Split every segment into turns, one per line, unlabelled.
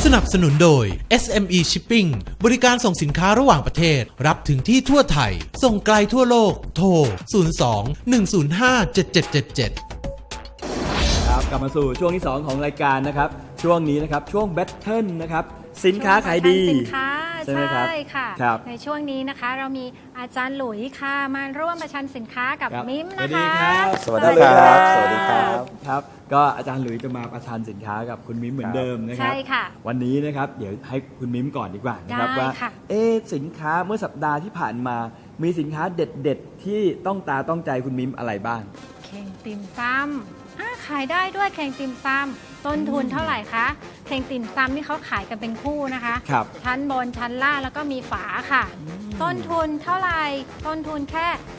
นับสนุนโดย SME Shipping บริการส่งสินค้าระหว่างประเทศรับถึงที่ทั่วไทยส่งไกลทั่วโลกโทร 02-105-7777
ครับกลับมาสู่ช่วงที่ 2 ของรายการนะครับช่วงนี้นะครับช่วงแบทเทิลนะครับสินค้าขายดี
สินค้า
ใช่ไหมครับ
ใช่ค่ะ
ครับ
ในช่วงนี้นะคะเรามีอาจารย์หลุยค่ะมาร่วมประชันสินค้ากับ
ครับ
มิม
สวั
นะ
สดี
คะ
ครับ
สวัสดีครับ
ะ
สวัสดีครับ
ครับก็อาจารย์หลุยจะมาประชันสินค้ากับคุณมิมเหมือนเดิมนะครับ
ใช่ค่ะ
วันนี้นะครับเดี๋ยวให้คุณมิมก่อนดีกว่านะครับ
ได้
ว่า
ค่ะ
สินค้าเมื่อสัปดาห์ที่ผ่านมามีสินค้าเด็ดๆที่ต้องตาต้องใจคุณมิมอะไรบ้าง
เข่งติ่มซำขายได้ด้วยเข่งติ่มซำต้นทุนเท่าไหร่คะเข่งติ่มซำนี่เขาขายกันเป็นคู่นะคะ
ครับ
ชั้นบนชั้นล่างแล้วก็มีฝาค่ะ ต้นทุนเท่าไหร่ต้นทุนแค่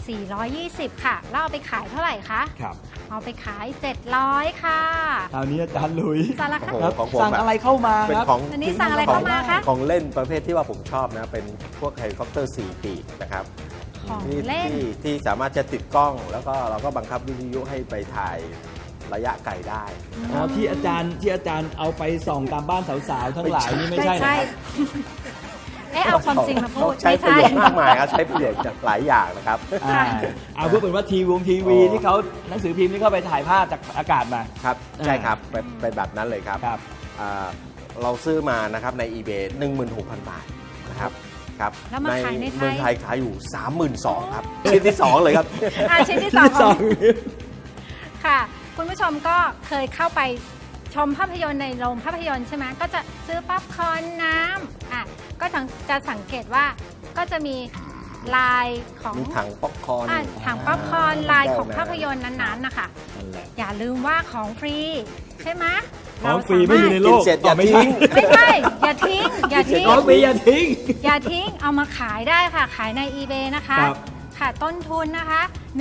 420 ค่ะแล้วเอาไปขายเท่าไหร่คะ
ครับ
เอาไปขาย 700 ค่ะ
คราวนี้อาจารย์หลุย
สารค
โอ้
ดี
โหของผม
สั่งอะไรเข้ามา
เป็น
ครับ
ของ
อันนี้สั่งอะไรเข้ามาคะ
ของเล่นประเภทที่ว่าผมชอบนะเป็นพวกเฮลิคอปเตอร์4 ปีกนะครับ
ของ
ที่
เล่น
ที่สามารถจะติดกล้อง แล้วก็เราก็บังคับวิทยุให้ไปถ่ายระยะไกลได้
อ๋อที่อาจารย์เอาไปส่องตามบ้านสาวๆทั้งหลายนี่ไม่ใช่นะครับ
เอาความจริงมาพูด
ใช้ประโยชน์มากมายครับใช้ประโยชน์จากหลายอย่างนะครับ
เอาเพื่อเป็นว่าทีวี
อ๋อ
ที่เขาหนังสือพิมพ์ที่เขาไปถ่ายภาพจากอากาศมา
ครับใช่ครับเป็นแบบนั้นเลยครับ
ครับ
อ่าเราซื้อมานะครับใน eBay 16,000 บาทนะครับครับ
แล้วมาขายในไทย
เมืองไทยขายอยู่ 32,000 ครับชิ้นที่ 2 เลยครับ
ชิ้นที่สองของค่ะ คุณผู้ชมก็เคยเข้าไปชมภาพยนตร์ในโรงภาพยนตร์ใช่ไหมก็จะซื้อป๊อปคอร์นน้ำก็จะสังเกตว่าก็จะมีลายของ
มีถังป๊อปคอร์น
ถังป๊อปคอร์นลายของภาพยนตร์นั้นๆนะคะ
นั่นแหละ
อย่าลืมว่าของฟรีใช่ไหม
ของฟรีไม่มีในโลก
กินเสร็จอย่า
ไม่
ทิ้ง
ไม่ใช่อย่าทิ้งอย่าทิ้ง
ของฟรีอย่าทิ้ง
อย่าทิ้งเอามาขายได้ค่ะ ขายใน eBay นะคะ
ครับ
ค่ะต้นทุนนะคะ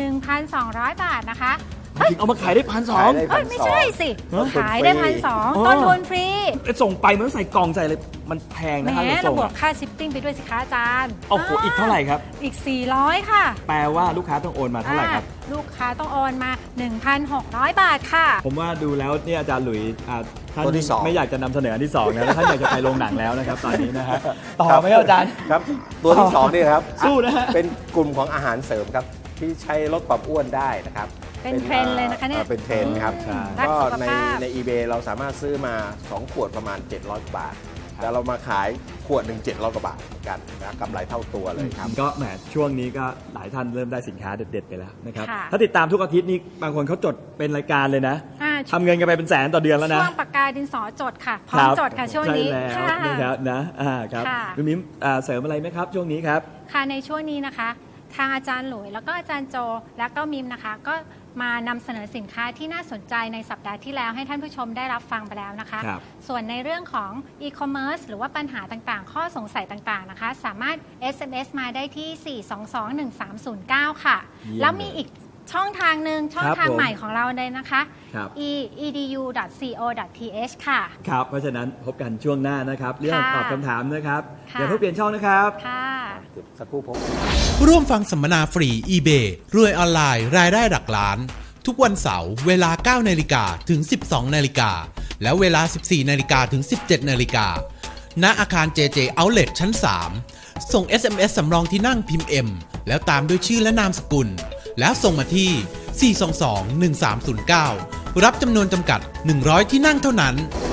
1,200 บาทนะคะ
จริงเอามาขายได้1,200
ขายได้
เอ้ยไม่ใช่สิ
ต้นทุน
ขายได้
ฟรี
1,200ต้นทุนฟรี
ส่งไปมันต้องใส่กล่องใส่เลยมันแพง
แหม
นะครับ
เรา
ส่ง
บวกค่าชิปปิ้งไปด้วยสิคะอาจารย์
โอ้โหอีกเท่าไหร่ครับ
อีก 400 ค่ะ
แปลว่าลูกค้าต้องโอนมาเท่าไหร่ครับ
ลูกค้าต้องโอนมา 1,600 บาทค่ะ
ผมว่าดูแล้วเนี่ยอาจารย์หลุยท่าน
ตัวที่สอง
ไม่อยากจะนำเสนออันที่2นะแล้วท่านอยากจะไปโรงหนังแล้วนะครับตอนนี้นะฮะต่อไหมครับอาจารย์
ครับตัวที่2นี่ครับ
สู้นะฮะ
เป็นกลุ่มของอาหารเสริมครับที่ใช้ลดความอ้วนได้นะครับ
เป็นเทรนด์เลยนะคะเนี่ย
เป็นเทรนด์ครับ
ใช่
รัก
ก็
สุข
ใน
ภาพ
ใน eBay เราสามารถซื้อมา 2 ขวดประมาณ 700 บาท แต่เรามาขายขวดหนึ่ง700 กว่าบาทเหมือนกันนะกำไรเท่าตัวเลยครับ
ก็แหมช่วงนี้ก็หลายท่านเริ่มได้สินค้าเด็ดๆไปแล้วนะครับ
ค่ะ
ถ้าติดตามทุกอาทิตย์นี้บางคนเขาจดเป็นรายการเลยนะ
อ่า
ทำเงินกันไปเป็นแสนต่อเดือนแล้วนะ
ช่วงปากกาดินสอจดค่ะ พร้อมจดค่ะช่วงนี้
ใช่แล้ว
ค่ะ
นะครับนะครับ
ค่ะ
คุณมิ้มเสริมอะไรไหมครับช่วงนี้ครับ
ค่ะในช่วงนี้นะคะ ทางอาจารย์หลุยแล้วก็อาจารย์โจและก็มิมนะคะ ก็มานำเสนอสินค้าที่น่าสนใจในสัปดาห์ที่แล้วให้ท่านผู้ชมได้รับฟังไปแล้วนะคะ
ครับ
ส่วนในเรื่องของ e-commerce หรือว่าปัญหาต่างๆ ข้อสงสัยต่างๆนะคะ สามารถ SMS มาได้ที่ 422-1309 ค่ะ
เยี่ยม
แล้วมีอีกช่องทางหนึ่งช่อง
ครับ
ทาง
ผม
ใหม่ของเราเลยนะคะ
ครับ
edu.co.th ค่ะ
ครับเพราะฉะนั้นพบกันช่วงหน้านะครับ เรื่อง
ค่ะ
ตอบคำถามนะครับ
ค่ะ
อย่าเพิ่งเปลี่ยนช่องนะครับ
ค่ะ
สักครู่ผม
ร่วมฟังสัมมนาฟรี eBay รวยออนไลน์รายได้หลักล้าน ทุกวันเสาร์เวลา 9 นาฬิกาถึง 12 นาฬิกา และเวลา 14 นาฬิกาถึง 17 นาฬิกา ณ อาคาร JJ Outlet ชั้น 3 ส่ง SMS สำรองที่นั่งพิมพ์ M แล้วตามด้วยชื่อและนามสกุล แล้วส่งมาที่ 422-1309 รับจำนวนจำกัด 100 ที่นั่งเท่านั้น